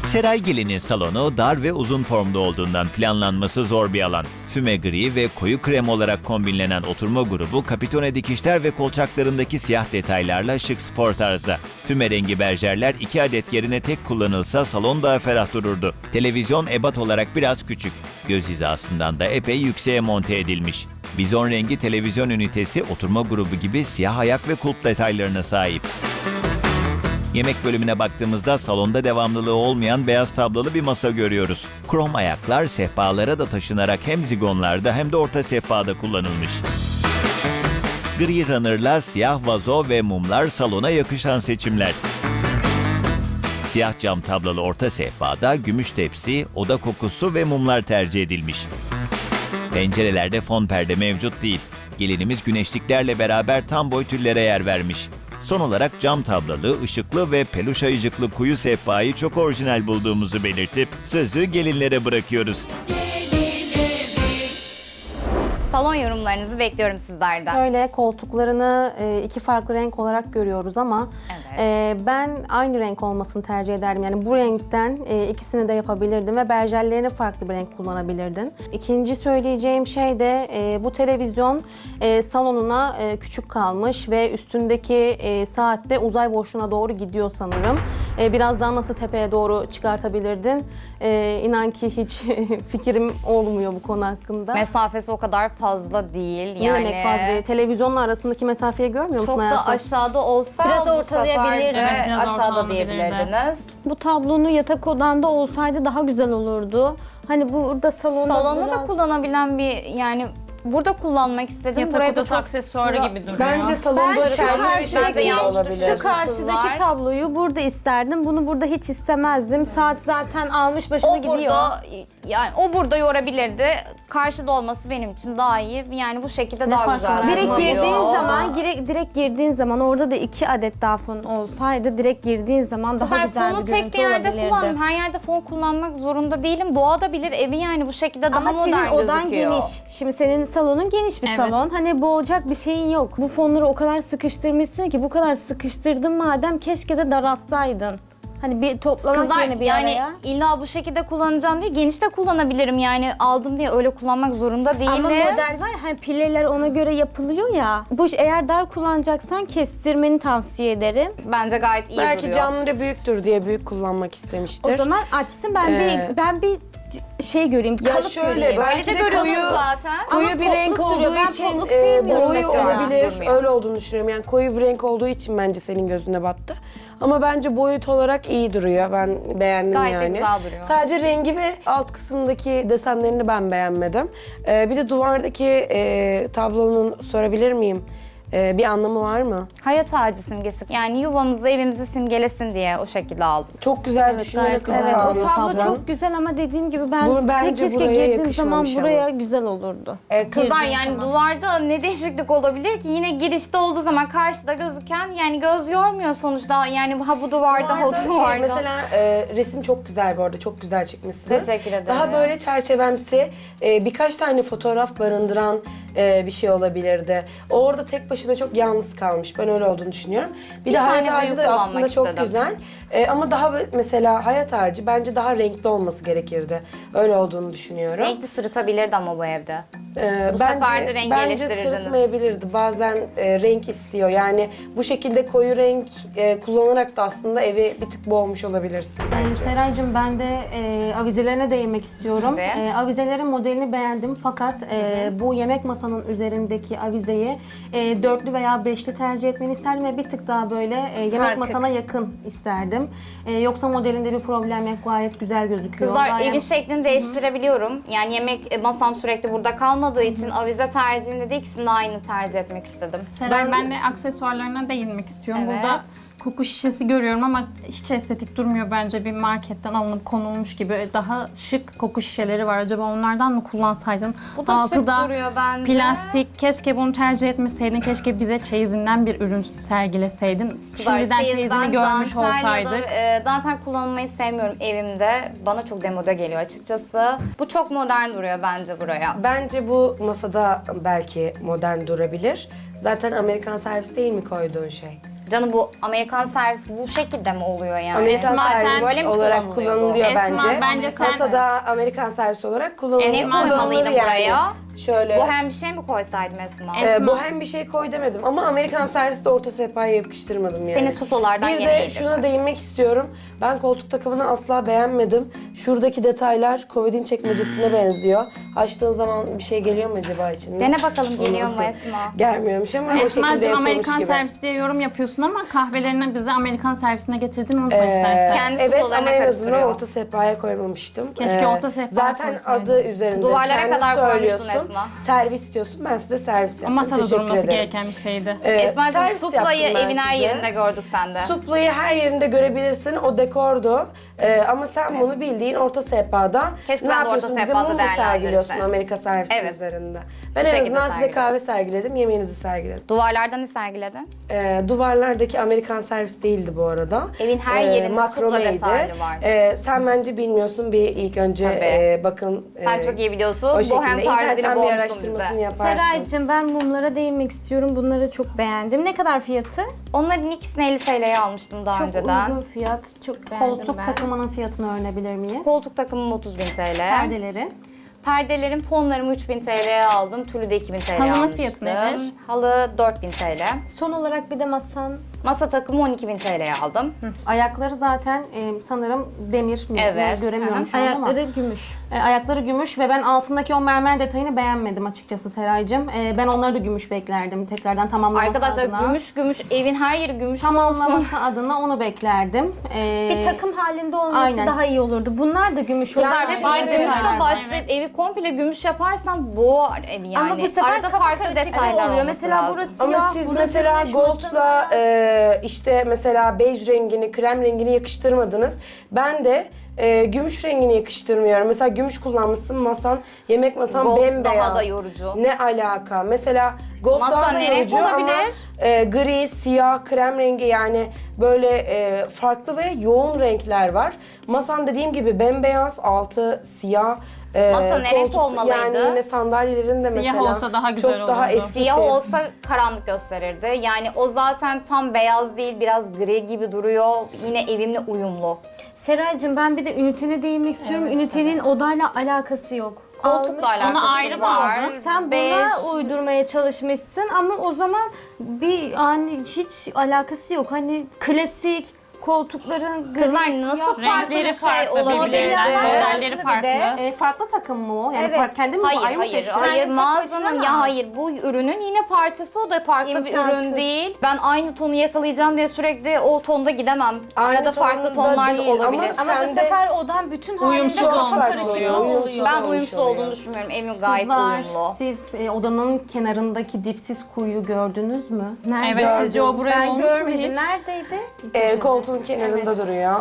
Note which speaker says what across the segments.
Speaker 1: Seray Gelin'in salonu dar ve uzun formda olduğundan planlanması zor bir alan. Füme gri ve koyu krem olarak kombinlenen oturma grubu kapitone dikişler ve kolçaklarındaki siyah detaylarla şık spor tarzda. Füme rengi berjerler 2 adet yerine tek kullanılsa salon daha ferah dururdu. Televizyon ebat olarak biraz küçük. Göz hizasından da epey yükseğe monte edilmiş. Bizon rengi televizyon ünitesi oturma grubu gibi siyah ayak ve kulp detaylarına sahip. Yemek bölümüne baktığımızda salonda devamlılığı olmayan beyaz tablolu bir masa görüyoruz. Krom ayaklar sehpalara da taşınarak hem zigonlarda hem de orta sehpada kullanılmış. Gri runner'la siyah vazo ve mumlar salona yakışan seçimler. Siyah cam tablolu orta sehpada gümüş tepsi, oda kokusu ve mumlar tercih edilmiş. Pencerelerde fon perde mevcut değil. Gelinimiz güneşliklerle beraber tam boy tüllere yer vermiş. Son olarak cam tablalı, ışıklı ve peluş ayıcıklı kuyu sehpayı çok orijinal bulduğumuzu belirtip sözü gelinlere bırakıyoruz.
Speaker 2: Salon yorumlarınızı bekliyorum sizlerden.
Speaker 3: Böyle koltuklarını iki farklı renk olarak görüyoruz ama
Speaker 2: Evet.
Speaker 3: ben aynı renk olmasını tercih ederdim. Yani bu renkten ikisini de yapabilirdim ve berjerlerini farklı bir renk kullanabilirdin. İkinci söyleyeceğim şey de bu televizyon salonuna küçük kalmış ve üstündeki saat de uzay boşluğuna doğru gidiyor sanırım. Biraz daha nasıl tepeye doğru çıkartabilirdin? İnan ki hiç fikrim olmuyor bu konu hakkında.
Speaker 2: Mesafesi o kadar fazla değil.
Speaker 3: Ne
Speaker 2: Yani
Speaker 3: demek fazla değil? Televizyonla arasındaki mesafeyi görmüyor musun
Speaker 2: çok da
Speaker 3: hayatım?
Speaker 2: aşağıda olsa
Speaker 4: Biraz
Speaker 2: bu
Speaker 4: ortalayabilirdi.
Speaker 2: sefer de
Speaker 4: Evet, biraz
Speaker 2: aşağıda
Speaker 4: ortalanabilirdi.
Speaker 2: diyebilirdiniz.
Speaker 4: Bu tablonu yatak odanda olsaydı daha güzel olurdu. Hani burada salonda
Speaker 2: Salonda da
Speaker 4: biraz...
Speaker 2: kullanabilen bir yani burada kullanmak istedim.
Speaker 5: Yatak
Speaker 2: Buraya da
Speaker 5: odası
Speaker 2: çok
Speaker 5: aksesuarı
Speaker 2: sıra-
Speaker 5: gibi duruyor.
Speaker 6: Bence salonda
Speaker 4: Ben şu
Speaker 6: çerçeve
Speaker 4: karşıdaki-
Speaker 6: şekli
Speaker 2: yanlış
Speaker 6: olabilir.
Speaker 4: Şu karşıdaki tabloyu burada isterdim. Bunu burada hiç istemezdim. Saat zaten almış başını
Speaker 2: O
Speaker 4: gidiyor.
Speaker 2: burada yani o burada yorabilirdi. Karşıda olması benim için daha iyi. Yani bu şekilde daha
Speaker 3: fark
Speaker 2: güzel.
Speaker 3: var?
Speaker 4: Direkt
Speaker 2: duruyor.
Speaker 4: girdiğin zaman, direkt girdiğin zaman orada da 2 adet daha fon olsaydı direkt girdiğin zaman daha
Speaker 2: Kızlar
Speaker 4: güzel
Speaker 2: fonu
Speaker 4: bir
Speaker 2: tek
Speaker 4: görüntü
Speaker 2: bir yerde
Speaker 4: olabilirdi.
Speaker 2: kullandım. Her yerde fon kullanmak zorunda değilim. Boğabilir evi yani bu şekilde daha
Speaker 4: Ama
Speaker 2: modern
Speaker 4: senin odan
Speaker 2: gözüküyor.
Speaker 4: geniş. Şimdi senin salonun geniş bir
Speaker 5: Evet.
Speaker 4: salon. Hani boğacak bir şeyin yok. Bu fonları o kadar sıkıştırmışsın ki bu kadar sıkıştırdın madem keşke de daraltsaydın. Hani bir toplamak
Speaker 2: Kızlar
Speaker 4: yerine bir
Speaker 2: yani
Speaker 4: araya.
Speaker 2: illa bu şekilde kullanacağım diye geniş de kullanabilirim. Yani aldım diye öyle kullanmak zorunda değilim.
Speaker 4: Ama model var ya, hani pilleler ona göre yapılıyor ya. Bu eğer dar kullanacaksan kestirmeni tavsiye ederim.
Speaker 2: Bence gayet iyi
Speaker 6: Belki
Speaker 2: duruyor.
Speaker 6: camları büyüktür diye büyük kullanmak istemiştir.
Speaker 4: O zaman açsın ben bir şey göreyim.
Speaker 6: Ya
Speaker 4: kalıp
Speaker 6: şöyle,
Speaker 4: göreyim.
Speaker 2: Böyle
Speaker 6: belki
Speaker 2: de
Speaker 6: de
Speaker 2: görüyorsunuz
Speaker 6: koyu-
Speaker 2: zaten.
Speaker 6: Koyu
Speaker 4: Ama
Speaker 6: bir renk
Speaker 4: potluk duruyor.
Speaker 6: olduğu
Speaker 4: Ben
Speaker 6: için
Speaker 4: potluk sevmiyorum
Speaker 6: boyu
Speaker 4: mesela.
Speaker 6: olabilir.
Speaker 2: Durmuyor.
Speaker 6: Öyle olduğunu düşünüyorum. Yani koyu bir renk olduğu için bence senin gözüne battı. Ama bence boyut olarak iyi duruyor. Ben beğendim
Speaker 2: Gayet de
Speaker 6: yani.
Speaker 2: güzel duruyor.
Speaker 6: Sadece rengi ve alt kısımdaki desenlerini ben beğenmedim. Bir de duvardaki tablonun sorabilir miyim? Bir anlamı var mı?
Speaker 2: Hayat ağacı simgesi. Yani yuvamızı, evimizi simgelesin diye o şekilde aldım.
Speaker 6: Çok güzel
Speaker 3: Evet,
Speaker 6: düşünerek
Speaker 3: gayet güzel.
Speaker 4: Evet, o
Speaker 6: almışsın.
Speaker 4: tablo çok güzel ama dediğim gibi ben
Speaker 6: Bu bence
Speaker 4: keşke
Speaker 6: buraya
Speaker 4: girdiğim zaman
Speaker 6: yakışmamış
Speaker 4: buraya
Speaker 6: ama.
Speaker 4: güzel olurdu.
Speaker 2: Kızlar
Speaker 4: Girdiğim
Speaker 2: yani
Speaker 4: zaman.
Speaker 2: duvarda ne değişiklik olabilir ki? Yine girişte olduğu zaman karşıda gözüken yani göz yormuyor sonuçta. Yani ha bu duvarda, ha o
Speaker 6: Duvarda
Speaker 2: duvarda.
Speaker 6: mesela resim çok güzel bu arada. Çok güzel çıkmışsınız.
Speaker 2: Teşekkür ederim.
Speaker 6: Daha böyle çerçevemsi birkaç tane fotoğraf barındıran bir şey olabilirdi. O orada tek başına çok yalnız kalmış. Ben öyle olduğunu düşünüyorum. Bir de
Speaker 2: tane
Speaker 6: hayat ağacı
Speaker 2: büyük
Speaker 6: da
Speaker 2: kullanmak
Speaker 6: aslında çok
Speaker 2: istedim.
Speaker 6: güzel. Ama daha mesela hayat ağacı bence daha renkli olması gerekirdi. Öyle olduğunu düşünüyorum.
Speaker 2: Renkli sırıtabilirdi ama bu evde. Bu
Speaker 6: bence,
Speaker 2: sefer de rengi
Speaker 6: bence
Speaker 2: eleştirirdiniz.
Speaker 6: sırıtmayabilirdi. Bazen renk istiyor. Yani bu şekilde koyu renk kullanarak da aslında evi bir tık boğmuş olabilirsin.
Speaker 3: Seraycığım ben de avizelerine değinmek istiyorum.
Speaker 2: Tabii.
Speaker 3: Avizelerin modelini beğendim fakat bu yemek masanın üzerindeki avizeyi dörtlü veya beşli tercih etmeni isterdim ve bir tık daha böyle yemek
Speaker 4: Sarkık.
Speaker 3: masana yakın isterdim. Yoksa modelinde bir problem yok, gayet güzel gözüküyor.
Speaker 2: Kızlar
Speaker 3: Gayet-
Speaker 2: evin şeklini değiştirebiliyorum. Yani yemek masam sürekli burada kalmadığı için avize tercihinde de ikisini de aynı tercih etmek istedim.
Speaker 5: Seray ben de aksesuarlarına değinmek istiyorum.
Speaker 2: Evet.
Speaker 5: Burada koku şişesi görüyorum ama hiç estetik durmuyor bence, bir marketten alınıp konulmuş gibi. Daha şık koku şişeleri var. Acaba onlardan mı kullansaydın?
Speaker 2: Bu da
Speaker 5: Altı
Speaker 2: şık
Speaker 5: da
Speaker 2: duruyor bence.
Speaker 5: plastik. Keşke bunu tercih etmeseydin. Keşke bize çeyizinden bir ürün sergileseydin.
Speaker 2: Kızlar,
Speaker 5: Şimdiden
Speaker 2: çeyizden,
Speaker 5: çeyizini görmüş
Speaker 2: dantel ya da,
Speaker 5: olsaydık.
Speaker 2: dantel kullanmayı sevmiyorum evimde. Bana çok demode geliyor açıkçası. Bu çok modern duruyor bence buraya.
Speaker 6: Bence bu masada belki modern durabilir. Zaten Amerikan servis değil mi koyduğun şey?
Speaker 2: Canım bu Amerikan servis bu şekilde mi oluyor yani?
Speaker 6: Amerikan
Speaker 5: Esma, sen
Speaker 6: servis
Speaker 2: böyle mi
Speaker 6: olarak
Speaker 2: kullanılıyor bu?
Speaker 6: kullanılıyor
Speaker 5: Esma,
Speaker 6: bence.
Speaker 5: bence sen-
Speaker 6: Kasada Amerikan servis olarak kullanılıyor.
Speaker 2: Ne
Speaker 5: Esma,
Speaker 2: koymalıydım buraya?
Speaker 6: Şöyle.
Speaker 2: Bu hem bir şey mi koysaydım Esma?
Speaker 5: Esma.
Speaker 6: Bu hem bir şey koy demedim ama Amerikan serviste orta sehpaya yakıştırmadım yani.
Speaker 2: Seni suplolardan
Speaker 6: Bir
Speaker 2: gene
Speaker 6: de
Speaker 2: yedim.
Speaker 6: şuna değinmek istiyorum. Ben koltuk takımını asla beğenmedim. Şuradaki detaylar komodin çekmecesine benziyor. Açtığın zaman bir şey geliyor mu acaba içinde?
Speaker 2: Dene bakalım geliyor mu Esma?
Speaker 6: Gelmiyormuş ama o şekilde
Speaker 5: Esma'cığım
Speaker 6: yapılmış
Speaker 5: Amerikan
Speaker 6: gibi.
Speaker 5: servis diye yorum yapıyorsun ama kahvelerini bize Amerikan servisine getirdin unutma istersen.
Speaker 2: Kendi
Speaker 6: Evet
Speaker 2: suplolarına
Speaker 6: ama en azından
Speaker 2: karıştırıyor.
Speaker 6: orta sehpaya koymamıştım.
Speaker 5: Keşke orta sehpaya
Speaker 6: Zaten
Speaker 5: koysaydın.
Speaker 6: adı üzerinde.
Speaker 2: Duvarlara
Speaker 6: Kendin
Speaker 2: kadar koymuşsun
Speaker 6: söylüyorsun.
Speaker 2: Esma.
Speaker 6: Servis diyorsun. Ben size servis yaptım.
Speaker 5: Masada
Speaker 6: Teşekkür
Speaker 5: durması
Speaker 6: ederim.
Speaker 5: gereken bir şeydi.
Speaker 2: Esma'cığım
Speaker 6: servis
Speaker 2: suplayı
Speaker 6: yaptım ben
Speaker 2: evin her
Speaker 6: size.
Speaker 2: yerinde gördük sende.
Speaker 6: Suplayı her yerinde görebilirsin. O dekordu. Ama sen bunu bildiğin orta sehpada
Speaker 2: Keşke
Speaker 6: ne
Speaker 2: sen de orta
Speaker 6: yapıyorsun? Bize
Speaker 2: sehpada
Speaker 6: mum mu sergiliyorsun
Speaker 2: değerlendirirsin.
Speaker 6: Amerika servisi
Speaker 2: Evet.
Speaker 6: üzerinde? Ben
Speaker 2: Bu
Speaker 6: en
Speaker 2: şekilde
Speaker 6: azından size
Speaker 2: sergiledim.
Speaker 6: kahve sergiledim. Yemeğinizi sergiledim.
Speaker 2: Duvarlardan ne sergiledin?
Speaker 6: Duvarlardaki Amerikan servis değildi bu arada.
Speaker 2: Evin her yerinde supla
Speaker 6: makromeydi.
Speaker 2: detaylı var.
Speaker 6: Sen bence bilmiyorsun. Bir ilk önce
Speaker 2: Tabii.
Speaker 6: bakın.
Speaker 2: Sen çok iyi biliyorsun.
Speaker 6: O
Speaker 2: Bohem
Speaker 6: şekilde
Speaker 2: tarzıyla
Speaker 6: internetten bir
Speaker 2: boğmuşsun
Speaker 6: araştırmasını
Speaker 2: bize.
Speaker 6: yaparsın.
Speaker 4: Seraycığım ben mumlara değinmek istiyorum. Bunları çok beğendim. Ne kadar fiyatı?
Speaker 2: Onların ikisini 50 TL'ye almıştım daha
Speaker 4: Çok
Speaker 2: önceden.
Speaker 4: uygun fiyat. Çok beğendim
Speaker 3: Koltuk
Speaker 4: ben.
Speaker 3: takımının fiyatını öğrenebilir miyiz?
Speaker 2: Koltuk takımım 30.000 TL.
Speaker 3: Perdeleri.
Speaker 2: Perdelerim, fonlarımı 3.000 TL'ye aldım. Tülü de 2.000 TL'ye
Speaker 5: Halının
Speaker 2: almıştım.
Speaker 5: fiyatı nedir?
Speaker 2: Halı 4.000 TL.
Speaker 4: Son olarak bir de masan.
Speaker 2: Masa takımı 12.000 TL'ye aldım.
Speaker 3: Ayakları zaten sanırım demir mi?
Speaker 2: Evet.
Speaker 3: Ne, göremiyorum şu an ama.
Speaker 4: Ayakları gümüş.
Speaker 3: Ayakları gümüş ve ben altındaki o mermer detayını beğenmedim açıkçası Seraycığım. Ben onları da gümüş beklerdim tekrardan tamamlaması
Speaker 2: Arkadaşlar
Speaker 3: adına.
Speaker 2: gümüş evin her yeri gümüş mü olsun?
Speaker 3: Tamamlaması adına onu beklerdim.
Speaker 4: Bir takım halinde olması
Speaker 3: aynen.
Speaker 4: daha iyi olurdu. Bunlar da gümüş olur.
Speaker 2: Kızlar
Speaker 3: Yani
Speaker 2: hep
Speaker 3: şimdi
Speaker 2: aynı
Speaker 3: detaylar
Speaker 2: gümüşle
Speaker 3: var,
Speaker 2: başlayıp evi komple gümüş yaparsan boğar evi yani.
Speaker 4: Ama bu sefer
Speaker 2: Arada
Speaker 4: kafa
Speaker 2: farklı
Speaker 4: karışıklığı
Speaker 2: detaylar
Speaker 4: oluyor.
Speaker 2: olması
Speaker 4: Mesela
Speaker 2: lazım.
Speaker 4: burası
Speaker 6: Ama
Speaker 4: siyah,
Speaker 6: siz
Speaker 4: burası
Speaker 6: mesela
Speaker 4: gümüş,
Speaker 6: gold'la işte mesela bej rengini, krem rengini yakıştırmadınız. Ben de gümüş rengini yakıştırmıyorum. Mesela gümüş kullanmışsın masan, yemek masan
Speaker 2: Gold
Speaker 6: bembeyaz.
Speaker 2: daha da yorucu.
Speaker 6: Ne alaka? Mesela gold
Speaker 2: Masa
Speaker 6: daha da
Speaker 2: ne renk
Speaker 6: yorucu ama
Speaker 2: olabilir?
Speaker 6: gri, siyah, krem rengi yani böyle farklı ve yoğun renkler var. Masan dediğim gibi bembeyaz, altı siyah.
Speaker 2: Masa ne renk olmalıydı?
Speaker 6: Yani yine sandalyelerin de
Speaker 5: Siyah
Speaker 6: mesela
Speaker 5: olsa daha güzel
Speaker 6: çok daha
Speaker 5: olurdu.
Speaker 6: eski.
Speaker 2: Siyah olsa karanlık gösterirdi. Yani o zaten tam beyaz değil, biraz gri gibi duruyor. Yine evimle uyumlu.
Speaker 4: Seraycığım ben bir de ünitene değinmek istiyorum. Ünitenin odayla alakası yok.
Speaker 2: Koltukla
Speaker 4: Almış,
Speaker 2: alakası
Speaker 5: Ona ayrı
Speaker 2: var.
Speaker 5: bağladın.
Speaker 4: sen
Speaker 2: Bej.
Speaker 4: buna uydurmaya çalışmışsın ama o zaman bir hani hiç alakası yok. Hani klasik koltukların gri,
Speaker 2: Kızlar
Speaker 4: siyah,
Speaker 2: nasıl farklı
Speaker 5: Renkleri
Speaker 2: bir şey
Speaker 5: farklı
Speaker 2: olabilir?
Speaker 5: birbirlerinden,
Speaker 4: Modeller
Speaker 5: modelleri
Speaker 4: farklı bir de.
Speaker 5: farklı.
Speaker 3: Farklı takım mı o? Yani
Speaker 4: Evet.
Speaker 3: kendi mi
Speaker 2: Hayır,
Speaker 3: ayrı mı
Speaker 2: hayır,
Speaker 3: seçtin?
Speaker 2: hayır.
Speaker 4: Kendi tek
Speaker 2: Mağazanın
Speaker 4: başına
Speaker 2: ya
Speaker 4: mı?
Speaker 2: hayır bu ürünün yine parçası o da farklı bir
Speaker 4: İmkansız.
Speaker 2: ürün değil. Ben aynı tonu yakalayacağım diye sürekli o tonda gidemem.
Speaker 6: Aynı
Speaker 2: Arada farklı
Speaker 6: tonda
Speaker 2: tonlar da
Speaker 6: değil ama
Speaker 2: olabilir.
Speaker 4: Ama
Speaker 6: Sen
Speaker 4: bu
Speaker 6: de-
Speaker 4: sefer odan bütün halinde
Speaker 5: Uyumsuz
Speaker 4: kafa
Speaker 5: olmuş
Speaker 4: karışıklığı
Speaker 6: oluyor,
Speaker 4: oluyor.
Speaker 6: uyumsuz.
Speaker 2: Ben
Speaker 6: olmuş
Speaker 2: uyumsuz
Speaker 6: oluyor.
Speaker 2: olduğunu düşünmüyorum. Evim gayet
Speaker 3: Kızlar,
Speaker 2: uyumlu.
Speaker 3: siz odanın kenarındaki dipsiz kuyuyu gördünüz mü?
Speaker 4: Nerede?
Speaker 5: Evet sizce o buraya
Speaker 4: Ben
Speaker 5: olmuş mu
Speaker 4: görmedim.
Speaker 5: hiç?
Speaker 4: Neredeydi?
Speaker 6: Koltuğun kenarında duruyor.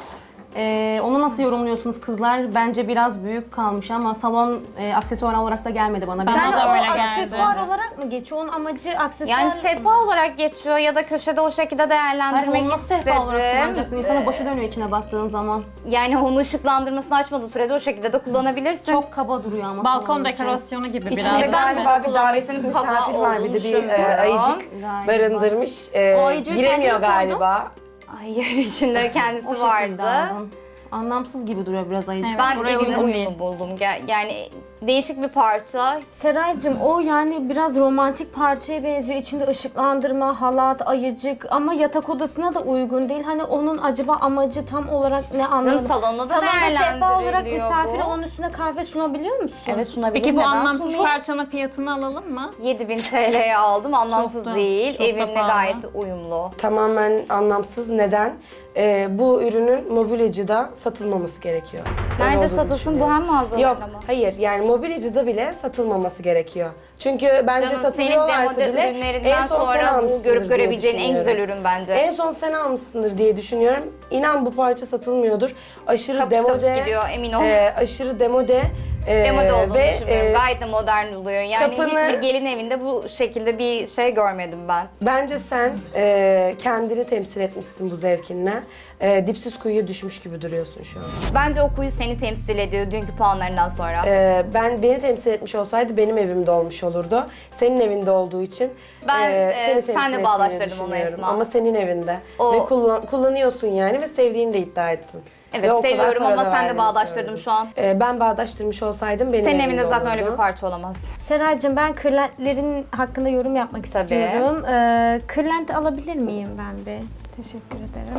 Speaker 3: Onu nasıl yorumluyorsunuz kızlar? Bence biraz büyük kalmış ama salon aksesuar olarak da gelmedi bana.
Speaker 5: Bana
Speaker 3: Biraz-
Speaker 5: da
Speaker 4: o
Speaker 5: öyle geldi.
Speaker 4: aksesuar olarak mı geçiyor? Onun amacı aksesuar
Speaker 2: Yani sehpa olarak geçiyor ya da köşede o şekilde
Speaker 3: Hayır,
Speaker 2: değerlendirmek
Speaker 3: onu nasıl sehpa olarak
Speaker 2: istedim.
Speaker 3: kullanacaksın? İnsanın başı dönüyor içine baktığın zaman.
Speaker 2: Yani onu ışıklandırmasını açmadığı sürece o şekilde de kullanabilirsin.
Speaker 3: Çok kaba duruyor ama
Speaker 5: Balkon
Speaker 3: salonun içi.
Speaker 5: dekorasyonu gibi biraz.
Speaker 6: İçinde
Speaker 2: ben
Speaker 6: galiba bir
Speaker 2: kullanmasının
Speaker 6: davetsiz
Speaker 2: kaba
Speaker 6: misafir var bir de
Speaker 2: olduğunu
Speaker 6: bir
Speaker 2: düşünmüyorum.
Speaker 6: ayıcık
Speaker 3: Galiba.
Speaker 6: barındırmış.
Speaker 3: O ayıcığı
Speaker 6: Giremiyor
Speaker 3: kendin mi koydun?
Speaker 6: galiba.
Speaker 2: Hayır içinde kendisi
Speaker 3: O şekilde
Speaker 2: vardı.
Speaker 3: aldım. Anlamsız gibi duruyor biraz ayıcık.
Speaker 5: Evet.
Speaker 2: Ben
Speaker 5: Buraya
Speaker 2: evimle
Speaker 5: uygun
Speaker 2: uyumlu
Speaker 5: değil.
Speaker 2: buldum. Yani değişik bir parça.
Speaker 4: Seraycığım o yani biraz romantik parçaya benziyor. İçinde ışıklandırma, halat, ayıcık ama yatak odasına da uygun değil. Hani onun acaba amacı tam olarak ne anlamadım.
Speaker 2: salonda da
Speaker 4: Salonda sehpa olarak
Speaker 2: değerlendiriliyor
Speaker 4: misafire
Speaker 2: bu.
Speaker 4: onun üstüne kahve sunabiliyor musun?
Speaker 2: Evet sunabilirim.
Speaker 5: Peki bu
Speaker 2: Neden
Speaker 5: anlamsız
Speaker 2: sunmayayım?
Speaker 5: parçanın fiyatını alalım mı?
Speaker 2: 7.000 TL'ye aldım. Anlamsız
Speaker 5: Çok da-
Speaker 2: değil.
Speaker 5: çok da
Speaker 2: Evimle
Speaker 5: pahalı.
Speaker 2: gayet uyumlu.
Speaker 6: Tamamen anlamsız. Neden? Bu ürünün mobilyacıda satılmaması gerekiyor. Öyle
Speaker 2: Nerede
Speaker 6: olduğunu
Speaker 2: satılsın?
Speaker 6: düşünüyorum.
Speaker 2: Bu hem mağazalarda
Speaker 6: Yok,
Speaker 2: mı?
Speaker 6: hayır. Yani mobilyacıda bile satılmaması gerekiyor. Çünkü bence
Speaker 2: Canım
Speaker 6: satılıyorlarsa
Speaker 2: senin
Speaker 6: bile
Speaker 2: demode ürünlerinden
Speaker 6: en son sen
Speaker 2: sonra bu
Speaker 6: almışsındır
Speaker 2: görüp
Speaker 6: diye
Speaker 2: görebileceğin en güzel
Speaker 6: düşünüyorum.
Speaker 2: ürün bence.
Speaker 6: En son sen almışsındır diye düşünüyorum. İnan bu parça satılmıyordur. Aşırı
Speaker 2: Kapış kapış
Speaker 6: demode.
Speaker 2: gidiyor, emin ol.
Speaker 6: Aşırı demode.
Speaker 2: Demode olduğunu
Speaker 6: ve
Speaker 2: düşünmüyorum. Gayet de modern oluyor. Yani
Speaker 6: kapını-
Speaker 2: hiçbir gelin evinde bu şekilde bir şey görmedim ben.
Speaker 6: bence sen kendini temsil etmişsin bu zevkinle. dipsiz kuyuya düşmüş gibi duruyorsun şu an.
Speaker 2: Bence o kuyu seni temsil ediyor dünkü puanlarından sonra.
Speaker 6: Beni temsil etmiş olsaydı benim evimde olmuş olurdu. Senin evinde olduğu için
Speaker 2: Ben,
Speaker 6: seni temsil
Speaker 2: senle
Speaker 6: ettiğini
Speaker 2: bağdaştırdım onu
Speaker 6: düşünüyorum.
Speaker 2: Esma.
Speaker 6: Ama senin evinde.
Speaker 2: O-
Speaker 6: Ve kullanıyorsun yani ve sevdiğini de iddia ettin. Ve
Speaker 2: Evet
Speaker 6: o kadar
Speaker 2: seviyorum
Speaker 6: para
Speaker 2: ama
Speaker 6: da
Speaker 2: sen de
Speaker 6: verdiğini
Speaker 2: bağdaştırdın
Speaker 6: söyledin.
Speaker 2: şu an.
Speaker 6: Ben bağdaştırmış olsaydım benim
Speaker 2: Senin
Speaker 6: evimde
Speaker 2: evinde zaten
Speaker 6: olurdu.
Speaker 2: öyle bir parça olamaz.
Speaker 4: Seraycığım ben kırlentlerin hakkında yorum yapmak
Speaker 2: Tabii.
Speaker 4: istiyorum. Kırlent alabilir miyim ben bir? Teşekkür ederim.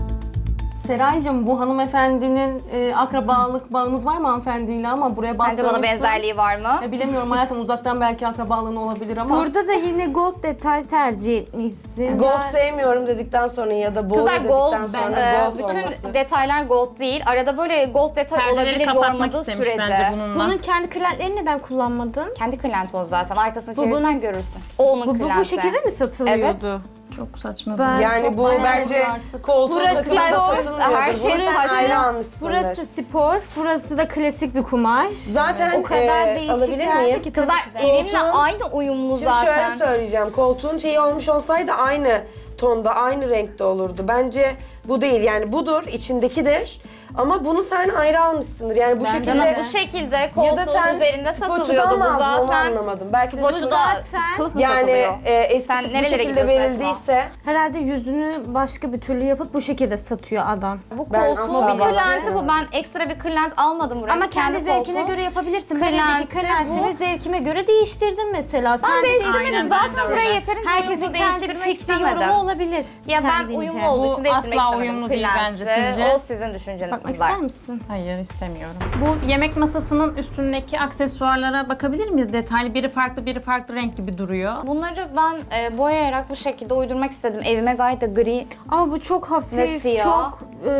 Speaker 3: Seraycığım, bu hanımefendinin akrabalık bağınız var mı hanımefendiyle, ama buraya
Speaker 2: Sence
Speaker 3: bastırmışsın.
Speaker 2: bana benzerliği var mı?
Speaker 3: Bilemiyorum hayatım, uzaktan belki akrabalığın olabilir ama.
Speaker 4: Burada da yine gold detay tercih etmişsin.
Speaker 6: Gold
Speaker 4: Yani-
Speaker 6: sevmiyorum dedikten sonra ya da boyu
Speaker 2: Kızlar gold,
Speaker 6: dedikten sonra gold
Speaker 2: bütün
Speaker 6: olması.
Speaker 2: detaylar gold değil. Arada böyle gold detay
Speaker 5: Perdeleri
Speaker 2: olabilir
Speaker 5: kapatmak
Speaker 2: yormadığı
Speaker 5: istemiş
Speaker 2: sürece.
Speaker 5: bence bununla.
Speaker 4: Bunun kendi kırlentlerini neden kullanmadın?
Speaker 2: Kendi kırlenti o zaten. Arkasını
Speaker 4: Bu
Speaker 2: çevirsen
Speaker 4: bunun-
Speaker 2: görürsün. O onun
Speaker 4: Bu
Speaker 2: kırlenti.
Speaker 4: şekilde mi satılıyordu?
Speaker 5: Çok saçma.
Speaker 4: Ben-
Speaker 6: Yani
Speaker 3: Çok
Speaker 6: bu
Speaker 3: manyak
Speaker 6: bence
Speaker 3: artık.
Speaker 6: koltuğun
Speaker 4: Burası
Speaker 6: takımında
Speaker 4: gold,
Speaker 6: satılmıyordur.
Speaker 2: her şey
Speaker 6: Bunu sen
Speaker 2: saçma.
Speaker 6: ayrı almışsındır.
Speaker 4: Burası spor, burası da klasik bir kumaş.
Speaker 6: Zaten
Speaker 4: o kadar değişik
Speaker 6: alabilir
Speaker 4: geldi
Speaker 6: miyim?
Speaker 4: ki
Speaker 2: Kızlar
Speaker 4: tabii ki de.
Speaker 2: evimle aynı uyumlu
Speaker 6: Şimdi
Speaker 2: zaten.
Speaker 6: şöyle söyleyeceğim. Koltuğun şeyi olmuş olsaydı aynı tonda, aynı renkte olurdu. Bence bu değil. Yani budur, içindekidir. Ama bunu sen ayrı almışsındır. Yani bu şekilde...
Speaker 2: Canım bu şekilde
Speaker 6: ya da
Speaker 2: koltuğun
Speaker 6: sen
Speaker 2: üzerinde
Speaker 6: sporcudan
Speaker 2: satılıyordu
Speaker 6: mı
Speaker 2: bu
Speaker 6: aldın onu
Speaker 2: zaten.
Speaker 6: anlamadım. Belki de
Speaker 2: Sporcuda
Speaker 4: zaten-
Speaker 2: kılıf mı
Speaker 6: yani
Speaker 2: satılıyor?
Speaker 6: eski
Speaker 2: Sen
Speaker 6: tip bu
Speaker 2: nerelere
Speaker 6: şekilde
Speaker 2: gidiyorsun
Speaker 6: verildiyse
Speaker 4: Herhalde yüzünü başka bir türlü yapıp bu şekilde satıyor adam.
Speaker 2: Bu
Speaker 6: Ben
Speaker 2: koltuğun
Speaker 6: asla
Speaker 2: bir kırlenti
Speaker 6: bağdaştıramam.
Speaker 2: bu. Ben ekstra bir kırlent almadım buraya.
Speaker 4: Ama kendi zevkine
Speaker 2: koltuğum.
Speaker 4: göre yapabilirsin. Ben
Speaker 2: Kırlenti
Speaker 4: evdeki kırlentimi
Speaker 2: bu.
Speaker 4: zevkime göre değiştirdim mesela. Sen
Speaker 2: Ben
Speaker 4: de
Speaker 2: değiştirmedim.
Speaker 5: Aynen,
Speaker 2: Zaten
Speaker 5: ben de
Speaker 2: buraya
Speaker 5: öyle.
Speaker 2: yeterince
Speaker 4: herkesin
Speaker 2: uyumlu
Speaker 4: kendi
Speaker 2: değiştirmek
Speaker 4: fikri yorumu
Speaker 2: istemedim.
Speaker 4: olabilir.
Speaker 2: Ya ben
Speaker 4: kendince.
Speaker 2: uyumlu olduğu için
Speaker 5: Bu
Speaker 2: değiştirmek
Speaker 5: asla
Speaker 2: istemedim.
Speaker 5: uyumlu değil bence,
Speaker 2: Kırlenti,
Speaker 5: sizce?
Speaker 2: O sizin düşünceniz
Speaker 4: Bakmak
Speaker 2: kızlar.
Speaker 4: ister misin?
Speaker 5: Hayır istemiyorum. Bu yemek masasının üstündeki aksesuarlara bakabilir miyiz? Detaylı biri farklı renk gibi duruyor.
Speaker 2: Bunları ben boyayarak bu şekilde uydurmak istedim. Evime gayet de gri.
Speaker 4: Ama bu çok
Speaker 2: Ve
Speaker 4: hafif,
Speaker 2: siyah.
Speaker 4: çok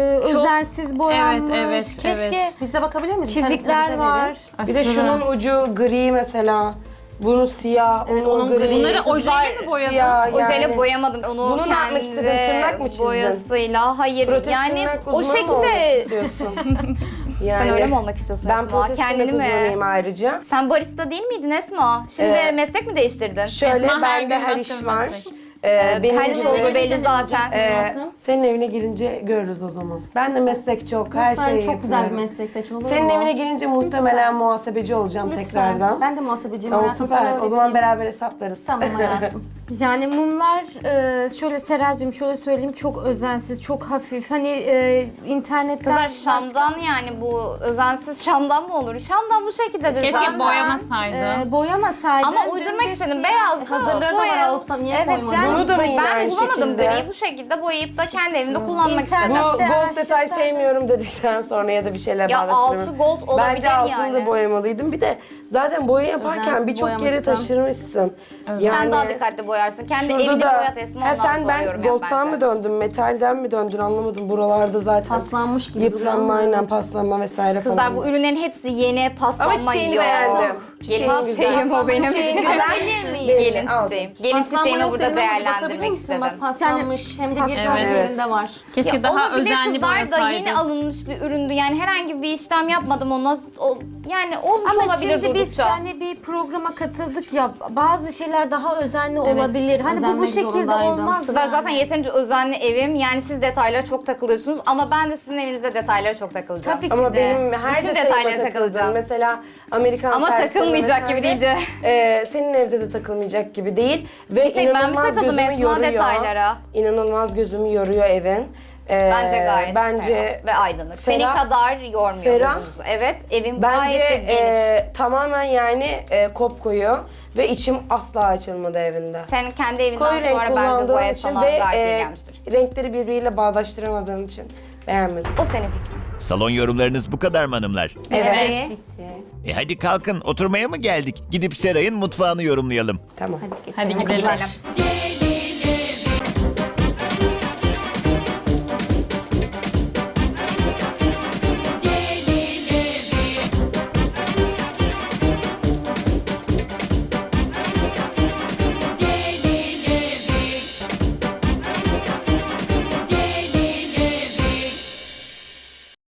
Speaker 4: özensiz boyanmış.
Speaker 5: evet,
Speaker 4: Keşke
Speaker 5: evet.
Speaker 3: Biz de bakabilir miyiz? Bir tanesini
Speaker 4: çizikler
Speaker 3: bize
Speaker 4: var.
Speaker 3: verin.
Speaker 6: bir de şunun ucu gri mesela. Bunun siyah,
Speaker 3: Evet,
Speaker 6: onun
Speaker 3: onun
Speaker 6: gri.
Speaker 5: Bunları
Speaker 2: Kızlar,
Speaker 5: ojeyle mi boyadın?
Speaker 6: siyah
Speaker 2: Ojeyle
Speaker 6: yani.
Speaker 2: boyamadım. Onu
Speaker 6: Bunu ne
Speaker 2: kendi
Speaker 6: yapmak istedin? Tırnak mı çizdin?
Speaker 2: boyasıyla. Hayır
Speaker 6: Protez
Speaker 2: yani
Speaker 6: tırnak
Speaker 2: o
Speaker 6: uzmanı mı olmak
Speaker 2: şekilde...
Speaker 6: istiyorsun?
Speaker 2: Sen
Speaker 6: Yani
Speaker 2: öyle mi olmak istiyorsun
Speaker 6: ben
Speaker 2: Esma?
Speaker 6: protez tırnak
Speaker 2: Kendini mi?
Speaker 6: uzmanıyım ayrıca.
Speaker 2: Sen barista değil miydin Esma? Şimdi meslek mi değiştirdin?
Speaker 6: Şöyle
Speaker 5: Esma her
Speaker 6: bende
Speaker 5: gün
Speaker 6: her
Speaker 5: başka
Speaker 6: iş
Speaker 5: bir
Speaker 6: var.
Speaker 5: meslek.
Speaker 6: Benim
Speaker 2: her
Speaker 6: işim
Speaker 2: iş olduğu
Speaker 3: evine
Speaker 2: belli
Speaker 3: gelince
Speaker 2: zaten.
Speaker 3: ne yapacaksın?
Speaker 6: senin evine gelince görürüz o zaman. Ben de meslek çok, her
Speaker 3: Lütfen,
Speaker 6: şeyi
Speaker 3: çok güzel bir
Speaker 6: yapıyorum.
Speaker 3: meslek seç, olur mu?
Speaker 6: Senin evine gelince muhtemelen muhasebeci olacağım
Speaker 3: Lütfen.
Speaker 6: tekrardan.
Speaker 3: Ben de muhasebeciyim
Speaker 6: O
Speaker 3: hayatım, sana
Speaker 6: süper. O zaman
Speaker 3: öğreteyim.
Speaker 6: beraber hesaplarız.
Speaker 3: Tamam hayatım.
Speaker 4: Yani mumlar şöyle Seracığım şöyle söyleyeyim çok özensiz, çok hafif. Hani internetten
Speaker 2: Kızlar Şam'dan yani bu özensiz Şam'dan mı olur? Şam'dan bu şekilde de
Speaker 5: Keşke
Speaker 2: zaten.
Speaker 5: boyamasaydın.
Speaker 4: boyamasaydın.
Speaker 2: Ama uydurmak istedim. Beyaz
Speaker 3: Hazırları da var, alıp da niye
Speaker 4: Evet,
Speaker 3: koymadın?
Speaker 4: yani
Speaker 6: Bunu da mı yine
Speaker 2: Ben
Speaker 6: aynı
Speaker 2: bulamadım
Speaker 6: şekilde?
Speaker 2: griyi bu şekilde boyayıp da kendi evimde kullanmak
Speaker 4: İnternet-
Speaker 2: istedim.
Speaker 6: Bu
Speaker 4: de
Speaker 6: gold detay
Speaker 4: araştırsaydın.
Speaker 6: sevmiyorum dedikten sonra ya da bir şeyler
Speaker 2: Ya
Speaker 6: bağdaştıramıyorum.
Speaker 2: altı gold olabilir
Speaker 6: Bence altını
Speaker 2: yani.
Speaker 6: da boyamalıydım. Bir de zaten boya yaparken
Speaker 3: Özensiz
Speaker 6: birçok yere
Speaker 3: boyamışsın.
Speaker 6: taşırmışsın.
Speaker 2: Sen daha dikkatli boyarsın. Kendi
Speaker 6: Şurada
Speaker 2: evini
Speaker 6: da
Speaker 2: boyat Esma,
Speaker 6: ha,
Speaker 2: ondan
Speaker 6: sen
Speaker 2: sonra
Speaker 6: ben
Speaker 2: yorum yap
Speaker 6: gold'dan
Speaker 2: bence.
Speaker 6: mı döndün, metalden mi döndün anlamadım. Buralarda zaten
Speaker 3: Paslanmış gibi duruyor
Speaker 6: yıpranma,
Speaker 3: ama
Speaker 6: aynen
Speaker 3: evet.
Speaker 6: paslanma vesaire falan.
Speaker 2: Kızlar bu
Speaker 6: var.
Speaker 2: ürünlerin hepsi yeni paslanma
Speaker 6: Ama çiçeğini
Speaker 2: yok.
Speaker 6: beğendim.
Speaker 2: Gelin
Speaker 6: Çiçeğin
Speaker 2: çiçeğim
Speaker 6: güzel.
Speaker 2: o benim.
Speaker 6: Çiçeğin güzel.
Speaker 2: Gelin
Speaker 6: Al.
Speaker 2: çiçeğim. Gelin
Speaker 3: Paslanma
Speaker 2: çiçeğimi
Speaker 3: yok
Speaker 2: burada
Speaker 3: dedim ama bakabilir
Speaker 2: değerlendirmek
Speaker 3: misin?
Speaker 2: istedim.
Speaker 3: Bak paslanmış, hem de bir
Speaker 5: Evet.
Speaker 3: taşlarında var.
Speaker 5: Keşke
Speaker 2: Ya
Speaker 5: daha
Speaker 2: olabilir,
Speaker 5: özenli
Speaker 2: kızlar da yeni
Speaker 5: boyasaydın.
Speaker 2: alınmış bir üründü. Yani herhangi bir işlem yapmadım ona. Yani olmuş
Speaker 4: Ama
Speaker 2: olabilir
Speaker 4: şimdi biz
Speaker 2: durdukça.
Speaker 4: hani bir programa katıldık ya bazı şeyler daha özenli olabilir. Hani bu
Speaker 3: özenmek
Speaker 4: şekilde
Speaker 3: zorundaydım.
Speaker 4: olmaz.
Speaker 2: Kızlar
Speaker 4: yani.
Speaker 2: zaten yeterince özenli evim. Yani siz detaylara çok takılıyorsunuz ama ben de sizin evinizde detaylara çok takılacağım.
Speaker 4: Tabii ki
Speaker 6: Ama
Speaker 4: de.
Speaker 6: benim her
Speaker 2: Bütün
Speaker 6: detayıma
Speaker 2: detaylara
Speaker 6: takıldım.
Speaker 2: takılacağım.
Speaker 6: Mesela Amerikan
Speaker 2: Ama
Speaker 6: servislerine
Speaker 2: takılmayacak gibi
Speaker 6: vesaire,
Speaker 2: değildi.
Speaker 6: Senin evde de takılmayacak gibi değil. Ve
Speaker 2: tek ben mi
Speaker 6: inanılmaz
Speaker 2: takıldım
Speaker 6: gözümü
Speaker 2: Esma
Speaker 6: yoruyor.
Speaker 2: detaylara?
Speaker 6: İnanılmaz gözümü yoruyor evin.
Speaker 2: Bence gayet
Speaker 6: bence
Speaker 2: ferah ve aydınlık. Senin
Speaker 6: ferah.
Speaker 2: kadar yormuyor
Speaker 6: Ferah.
Speaker 2: gözünüzü. Evet, evim
Speaker 6: Bence
Speaker 2: gayet de geniş.
Speaker 6: tamamen yani kopkoyu ve içim asla açılmadı evinde.
Speaker 2: Sen kendi evinden
Speaker 6: Koyu renk
Speaker 2: sonra bence
Speaker 6: kullandığın
Speaker 2: boya
Speaker 6: için
Speaker 2: sana
Speaker 6: ve
Speaker 2: gayet iyi gelmiştir.
Speaker 6: renkleri birbiriyle bağdaştıramadığın için beğenmedim.
Speaker 2: O senin fikrin.
Speaker 1: Salon yorumlarınız bu kadar mı hanımlar?
Speaker 6: Evet.
Speaker 1: Hadi kalkın, oturmaya mı geldik? Gidip Seray'ın mutfağını yorumlayalım.
Speaker 6: Tamam.
Speaker 3: Hadi geçelim.
Speaker 5: Hadi gidelim.